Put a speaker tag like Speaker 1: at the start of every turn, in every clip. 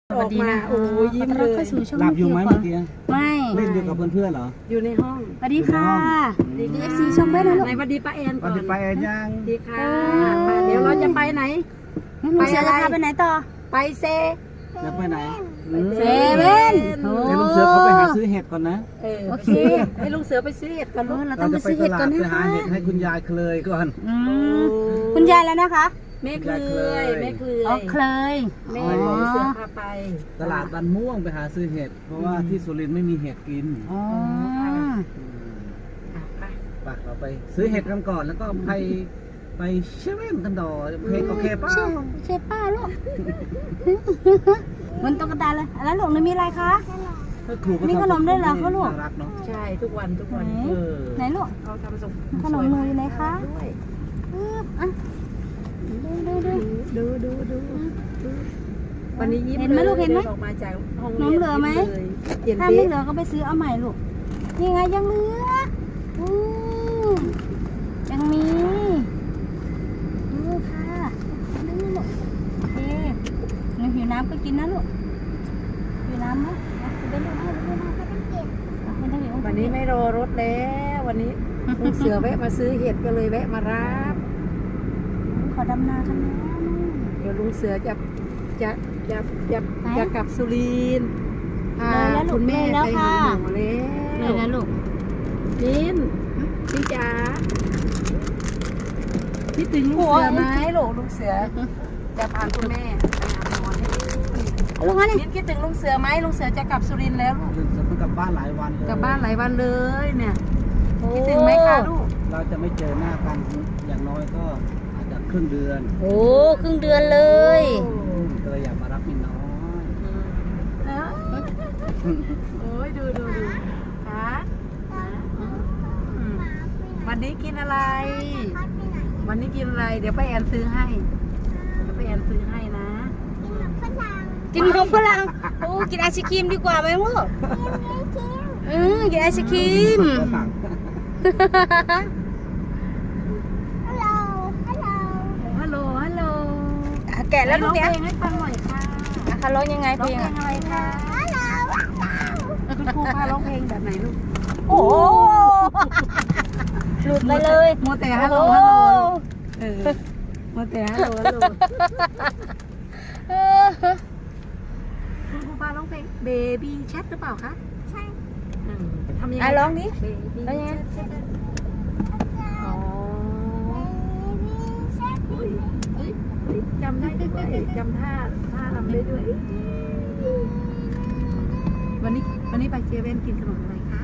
Speaker 1: สวัสดีนะโอ้ยยิ้มเลย
Speaker 2: หลับอยู่ไหมเมื่อกี้
Speaker 1: ไม่
Speaker 2: เล่นอยู่กับเพื่อนๆเหรอ
Speaker 1: อยู่ในห้อง
Speaker 3: สวัสดีค่ะดีเอฟซีชมเบ้นะลูก
Speaker 1: ไหนสวัสดีป้าแอนก่อน
Speaker 2: ไปยัง
Speaker 1: ดีค่ะเดี๋ยวเราจะไปไหน
Speaker 3: ไปอะไรไปไหนต่อ
Speaker 1: ไปเซ
Speaker 2: จะไปไหน
Speaker 3: เซเว่น
Speaker 2: ให้ลุงเสือเขาไปหาซื้อเห็ดก่อนนะ
Speaker 1: โอเคให้ลุงเสือไปซื้อเห็ดก่อนลูก
Speaker 3: เราต้องไปซื้อเห็ดก่อนนะ
Speaker 2: ไปหาเห็ดให้คุณยายเคลยก่อน
Speaker 3: คุณยายแล้วนะคะ
Speaker 1: แม่เคยแม่เคย
Speaker 3: อ๋อเคย
Speaker 1: แม่เสือพาไป
Speaker 2: ตลาดบ้านม่วงไปหาซื้อเห็ดเพราะว่าที่สุรินทร์ไม่มีเห็ดกินไปเราไปซื้อเห็ดกันก่อนแล้วก็ไปเชเว่นกันต่อเพลงโอเคป้า
Speaker 3: เชฟป้าลูกมันตุ๊กตาเลยแล้วลูกนี่มีอะไรคะมีขนมด้วยเหรอเขาลูก
Speaker 1: ใช่ทุกวัน
Speaker 3: ไหนลูก
Speaker 1: เขาทำส่ง
Speaker 3: ขนมหนูอยู่ไหนคะ
Speaker 1: ดูวันนี้ยิ้ม
Speaker 3: เห็นไหมลูกเห็นไหม
Speaker 1: ออกมาจากห้อง
Speaker 3: น้ำเหลือไหมถ้าไม่เหลือก็ไปซื้อเอาใหม่ลูกนี่ไงยังเหลือยังมีดูค่ะดูลูกโอเคหนูหิวน้ำก็กินนะลูกหิวน้ำไหมไปลูก
Speaker 1: วันนี้ไม่รอรถแล้ววันนี้ลุงเสือแวะมาซื้อเห็ดก็เลยแวะมารับ
Speaker 3: ขอดำนากันนะ
Speaker 1: เดี๋ยวลุงเสือจะกลับสุรินทร์คุณแม่ไปหาหมอแล้ว
Speaker 3: เลยนะลูก
Speaker 1: พี่จ๋าพี่ถึงลุงเสือไหมลุงเสือจะพาคุณแม่ไปหาหมอ
Speaker 3: ลูกฮะนี่
Speaker 1: คิดถึงลุงเสือไหมลุงเสือจะกลับสุรินทร์แล้วลูก
Speaker 2: จะกลับบ้านหลายวันเลย
Speaker 1: กลับบ้านหลายวันเลยเนี่ยคิดถึงไหมคะลูก
Speaker 2: เราจะไม่เจอหน้ากันอย่างน้อยก็อาจจะครึ่งเดือน
Speaker 3: ครึ่งเดือนเลย
Speaker 2: ก็เลยอยากมารับมินน้อย
Speaker 1: โอ้ยดูค่ะวันนี้กินอะไรเดี๋ยวป้าแอนซื้อให้นะ
Speaker 3: กินนมฝรั่งกินไอศครีมดีกว่าไหมลูกกินไอศครีม
Speaker 1: ฮัลโหล
Speaker 3: แกะแล้วลูกเนี่ย
Speaker 1: ให้ฟังหน่อยค่ะ
Speaker 3: ค่ะร้องยังไงเพลง
Speaker 1: อะไรคะคุณครูพาร้องเพลงแบบไหนลูก
Speaker 3: โอ้หลุดไปเลย
Speaker 1: มัวแต่ฮัลโหลมัวแต่ฮัลโหลคุณครูพาร้องเพลงเบบี้แชทหรือเปล่าคะใช่ทำยังไง
Speaker 3: ร้องนี้
Speaker 1: ร้องยังไงจำได้ด้วยจำท่าทำได้ด้วยวันนี้ไปเซเว่นกินขนมอะไรคะ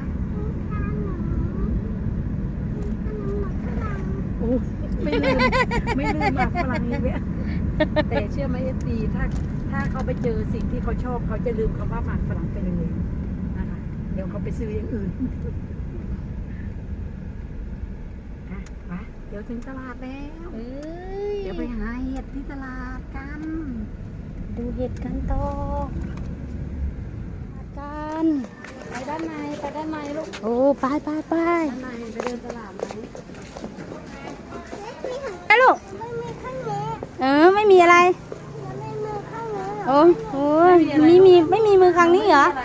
Speaker 1: โอ้ไม่ลืมหมากฝรั่งเลยแต่เชื่อไหมFDถ้าเขาไปเจอสิ่งที่เขาชอบเขาจะลืมคำว่าหมากฝรั่งไปเลยนะคะเดี๋ยวเขาไปซื้ออย่างอื่นไปเดี๋ยวถึงตลาดแล้วเดี๋ยวไปหาเห็ดที่ตลาดกัน
Speaker 3: ดูเห็ดกันต่อกัน
Speaker 1: ไปด้านในลูก
Speaker 3: ไป
Speaker 1: ด้านในไปเดินตลาดไหม
Speaker 3: ไปลูกไม่มีอะไรไม่มีมือข้างนี้เหรอ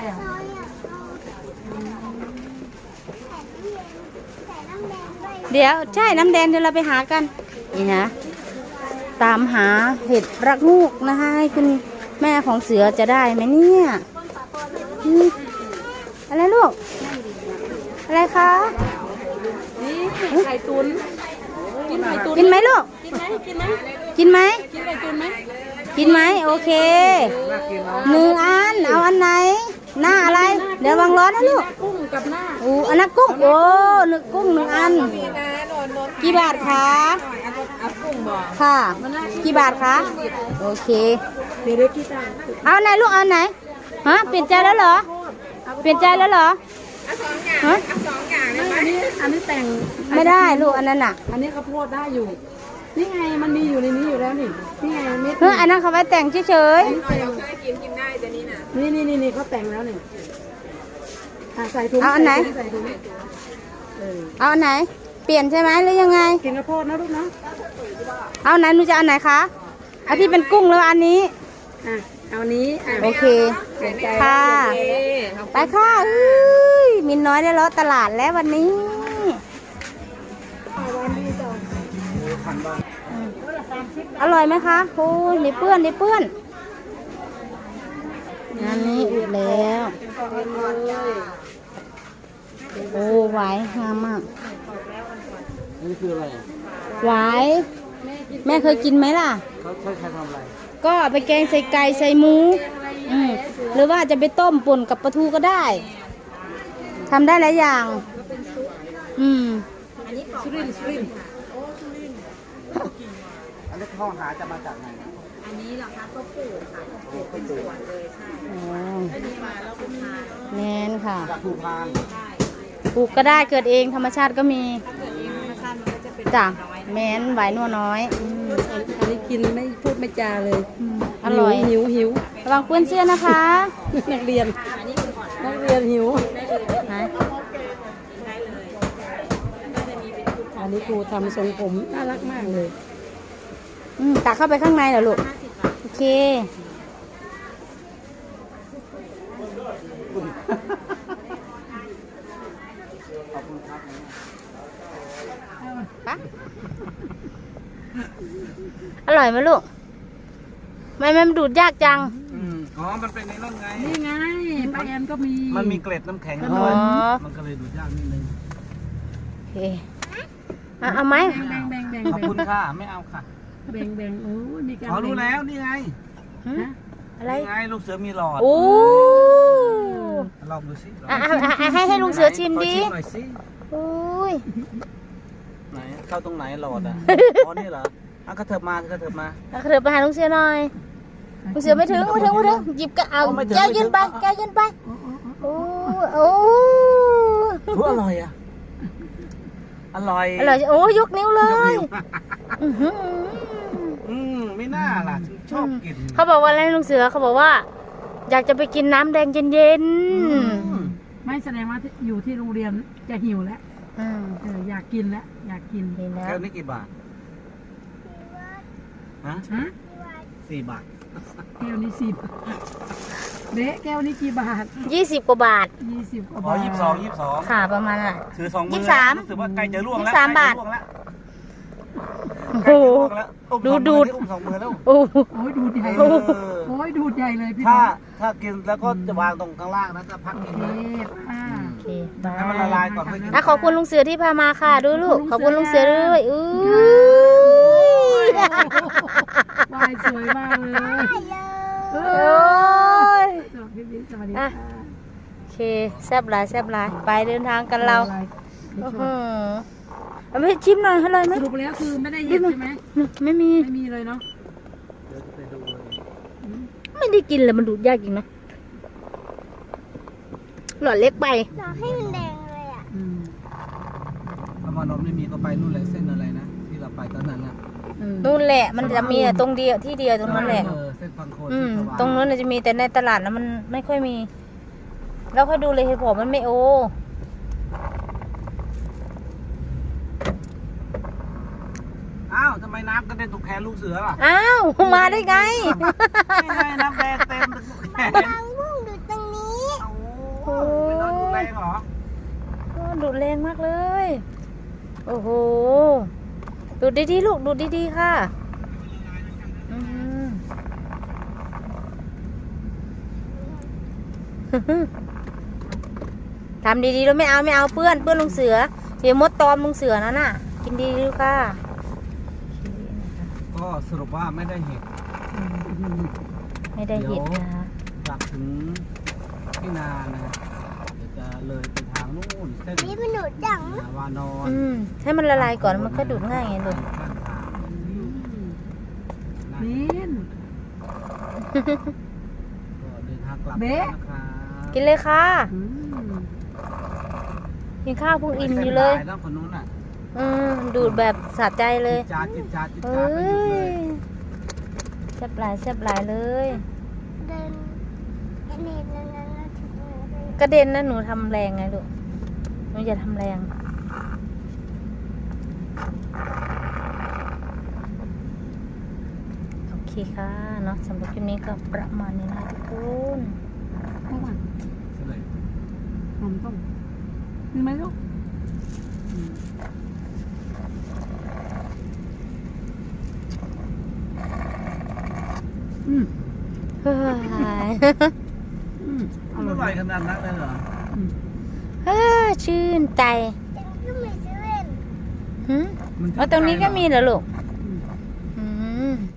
Speaker 3: เดี๋ยวใช่น้ำแดงเดี๋ยวเราไปหากันนี่นะตามหาเห็ดรักงูกนะคะให้คุณแม่ของเสือจะได้ไหมเนี่ยอะไรลูกอะไรคะ
Speaker 1: นี่ไข่ตุ๋น
Speaker 3: กินไหมลูกกินไหมโอเค1 อันเอาอันไหนหน้าอะไรเดี๋ยววางร้อนนะลูก
Speaker 1: กุ้งกับหน้า
Speaker 3: อันนั้นกุ้งกุ้ง1 อันกี่บาทคะค่ะกี่บาทคะโอเคเอาไหนลูกเอาไหนเปลี่ยนใจแล้วเหรอ
Speaker 1: 2 อย่างอันนี้แต่ง
Speaker 3: ไม่ได้ลูกอันนั้น
Speaker 1: อันนี้ข้าวโพดได้อยู่นี่ไงมันมีอยู่ในนี้อยู่แล้วนี่ไง
Speaker 3: อันนั้นเขาไว้แต่งเฉย
Speaker 1: ๆเราเคยกินได้แต่นี่นะนี่เขาแต่งแล้วนี่ใส่ถุง
Speaker 3: เอาอันไหนเอาอันไหนเปลี่ยนใช่ไหมหรือยังไง
Speaker 1: กินข้าวโพดนะลูกนะ
Speaker 3: เอาไหนหนูจะเอาไหนคะอันที่เป็นกุ้งแล้วอันนี้
Speaker 1: เอานี้อ่ะ
Speaker 3: โอเค
Speaker 1: เสียใจ
Speaker 3: ค่ะ
Speaker 1: โอเค
Speaker 3: ไปค่ะเอ้ยมินน้อยได้เลาะตลาดแล้ววันนี้ อร่อยไหมคะโอ้ยนี่เปื้อนนี่เปื้อนงานนี้อุดแล้ว โอ้หวายงามมาก
Speaker 2: นี่คืออะไร
Speaker 3: หวายแม่เคยกินไหมล่ะ
Speaker 2: เขาใช้ใครทำอะไร
Speaker 3: ก็เอาไปแกงใส่ไก่ใส่หมูหรือว่าจะไปต้มป่นกับปลาทูก็ได้ทำได้หลายอย่าง
Speaker 1: สุรินทร์สุรินทร์
Speaker 2: อันนี้ข้อหาจะมาจากไหน
Speaker 1: อันนี้เหรอคะก็ปลูกค่ะปลูกเป็นสวนเลยใช่
Speaker 3: อ๋อ
Speaker 1: อันนี้มาแล้วคุณทาน
Speaker 3: แมนค่ะ
Speaker 2: จากภูพาน
Speaker 3: ปลูกก็ได้เกิดเองธรรมชาติก็มี
Speaker 1: ถ้าเกิดเองธรรมชาติมันก็จะเป็น
Speaker 3: จ้ะ
Speaker 1: น้อย
Speaker 3: แมนหวายนัวน้อย
Speaker 1: อันนี้กินไม่พูดไม่จาเลย
Speaker 3: อร่อย
Speaker 1: หิว
Speaker 3: ระวังเปื้อนเสื้อนะคะ
Speaker 1: นักเรียนนักเรียนหิว
Speaker 3: ฮะ
Speaker 1: อันนี้ครูทำทรงผมน่ารักมากเลย
Speaker 3: ตักเข้าไปข้างในเหรอลูก โอเค
Speaker 2: ขอบคุณครับ
Speaker 3: ปะอร่อยไหมลูกไม่มันดูดยากจัง
Speaker 2: อ๋อ มันเป็นในนั่นไง
Speaker 1: นี่ไงป้าแอนก็มี
Speaker 2: มันมีเกล็ดน้ำแข็ง
Speaker 3: อ๋
Speaker 2: ด้ว
Speaker 3: อ
Speaker 2: ยมันก็เลยดูดยากนิดนึง
Speaker 3: โอเคเอาไหม
Speaker 1: แบ่ง
Speaker 2: ขอบคุณค่ะ ไม่เอาค่ะ
Speaker 1: แบ่งโอ้ยมีการ
Speaker 2: อ๋อ รู้แล้ว นี่ไง
Speaker 3: ฮะอะไร
Speaker 2: นี่ไง ลูกเสือมีหลอด
Speaker 3: โอ้
Speaker 2: ลองดูสิลอง
Speaker 3: ให้ลุงเสือชิมดิ
Speaker 2: ขอหน่อยสิ
Speaker 3: โอ้ย
Speaker 2: ไหน เข้าตรงไหนหลอดอ่ะ อ๋อ นี่เหรออ่ะกระเถิบมากระเถิบมา
Speaker 3: เอาเถิบไปหาลุงเสือหน่อยลุงเสือไม่ถึงหยิบก็เอา
Speaker 2: ไม่ถึง
Speaker 3: แก้วยืนไปแก้วยืนไปโอ้โอ้
Speaker 2: ทุอร่อยอ่ะ อร่อย
Speaker 3: อร่อยโอ้ยกนิ้วเลย
Speaker 2: กนิ้ว
Speaker 3: อื้อหือ
Speaker 2: ไม่น่าล่ะฉันชอบกิน
Speaker 3: เขาบอกว่าอะไรลุงเสือเขาบอกว่า อยากจะไปกินน้ำแดงเย็น
Speaker 1: ไม่แสดงว่าอยู่ที่โรงเรียนจะหิวแล้ว
Speaker 3: ๆ
Speaker 1: อยากกินแล้วอยากกิน
Speaker 3: นี่นะ
Speaker 2: แก้วนี้กี่บาท ฮะ
Speaker 1: ฮะ
Speaker 2: 4 บาท
Speaker 1: แก้วนี้10เบ๊ะแก้วนี้กี่บาท
Speaker 3: 20 กว่าบาท
Speaker 1: 20กว่า
Speaker 2: อ๋อบ
Speaker 1: าท
Speaker 2: 22
Speaker 3: ค่ะประมาณน่ะ
Speaker 2: ถือ2 มือ
Speaker 3: 23
Speaker 2: รู้สึกว่าใกล้จะล่วงแล้ว
Speaker 3: 23 บาท
Speaker 2: ใกล้จะล่วงแล้ว
Speaker 3: โอ้โห
Speaker 2: ใกล้จะล่วงแล้ว
Speaker 3: ดูด
Speaker 2: อุ้ม2 มือแล้ว
Speaker 3: โอ้
Speaker 1: โอ้ยดูดใหญ่
Speaker 2: เอ
Speaker 1: เลย
Speaker 2: อ
Speaker 1: โอ้ยดูดใหญ่เลยพี่
Speaker 2: ถ้า
Speaker 1: น้อง
Speaker 2: ถ้ากินแล้วก็จะวางตรงข้างล่างนะถ้าพัก
Speaker 1: โอ
Speaker 2: กิน
Speaker 1: เค
Speaker 2: นะ
Speaker 1: ป้า
Speaker 3: โอเคบา
Speaker 2: ให้มันละลายก่อนค่อยกิน
Speaker 3: ขอบคุณลุงเสือที่พามาค่ะดูลูกขอบคุณลุงเสือด้วยอุ้ยว
Speaker 1: ายสวยมากเลยเอ
Speaker 3: โอ้
Speaker 1: อย สวัสดีสวัสดีค่ะ
Speaker 3: โอเคแซ่บหลายแซ่บหลายไปเดินทางกันเราโอ้โหเอาไม่ชิมหน่อยอร่อยไหม
Speaker 1: สรุปแล้วคือไม่ได้เห็นใช่ไหม
Speaker 3: ไม่มี
Speaker 1: ไม่มีเลยเนาะ
Speaker 2: เดี๋ยวจะไปดูเลย
Speaker 3: ไม่ได้กินเลยมันดูดยากจริงนะหลอดเล็กไป
Speaker 1: อืม
Speaker 2: ถ้ามานนท์ไม่มีก็ไปนู่นเลยเส้นอะไรนะ ที่เราไปตอนนั้นนะ
Speaker 3: นู่นแหละมันจะมีตรงเดียวที่เดียวตรงนั้นแหละ
Speaker 2: เส้นพังโคน
Speaker 3: อื
Speaker 2: เส้
Speaker 3: ม
Speaker 2: นสว่าง
Speaker 3: ตรงนู้นนะจะมีแต่ในตลาดแล้วมันไม่ค่อยมี แล้วค่อยดูเลยเหตุผลมันไม่โอ
Speaker 2: อ้าวทำไมน้ำกระเด็นตกแขนลูกเสือล่ะ
Speaker 3: อ้าวมาได้ไง
Speaker 2: ไม่ไงน้ำแดงเต็มแขน
Speaker 3: พุ่งดูตรงนี้
Speaker 2: โอ้ไม่นอนดูแรงเหรอ
Speaker 3: ดูดแรงมากเลย โอ้โหดูดดีๆลูกดูดดีๆค่ะอืม ทำดีๆแล้วไม่เอาเปื้อนลุงเสือเดี๋ยวมดตอมลุงเสือนั่นน่ะ กินดีๆลูกค่ะ
Speaker 2: ก็สรุปว่าไม่ได้เห็ด
Speaker 3: ไม่ได้เห็ดนะคะ
Speaker 2: กลับถึงที่นานะครับเดี๋ยวจะเลยไปทางนู่นเส้นนี่มันดูดจังวานอน
Speaker 3: ให้มันละลายก่อนมันก็ดูดง่ายไงลูก
Speaker 2: ข้างทาง
Speaker 1: นิน
Speaker 2: ก็เดินทางกลับ
Speaker 1: เบ๊ะ
Speaker 2: นะครับ
Speaker 3: กินเลยค่ะ
Speaker 1: อืม
Speaker 3: กินข้าวเพุ่งอิ่มอยู่เลย
Speaker 2: ส้นแล้วคนนู้นอ่ะ
Speaker 3: ดูดแบบสะใจเลย
Speaker 2: จิตจาจิตจาจิต
Speaker 3: เอ้
Speaker 2: จาไปหยุดเลย
Speaker 3: ยแซ่บหลายแซ่บหลายเลย กระเด็นนะหนูทำแรงไงลูกหนูอย่าทำแรง โอเคค่ะเนาะสำหรับคลิปนี้ก็ประมาณนี้นะทุกคน
Speaker 1: ไม่หวาน
Speaker 2: เฉลย
Speaker 1: หอมต้มมีไหมลูกอืม
Speaker 3: เฮ้ย
Speaker 1: อืมอ
Speaker 2: อ
Speaker 1: ร่
Speaker 2: ร่
Speaker 1: อ
Speaker 2: อย ยขนาดนั้นเลยเหรอ
Speaker 1: อืม
Speaker 3: เฮ้ยชื่นใจหืม
Speaker 2: มัน
Speaker 3: เอาตรงนี้ก็มีเหรอลูก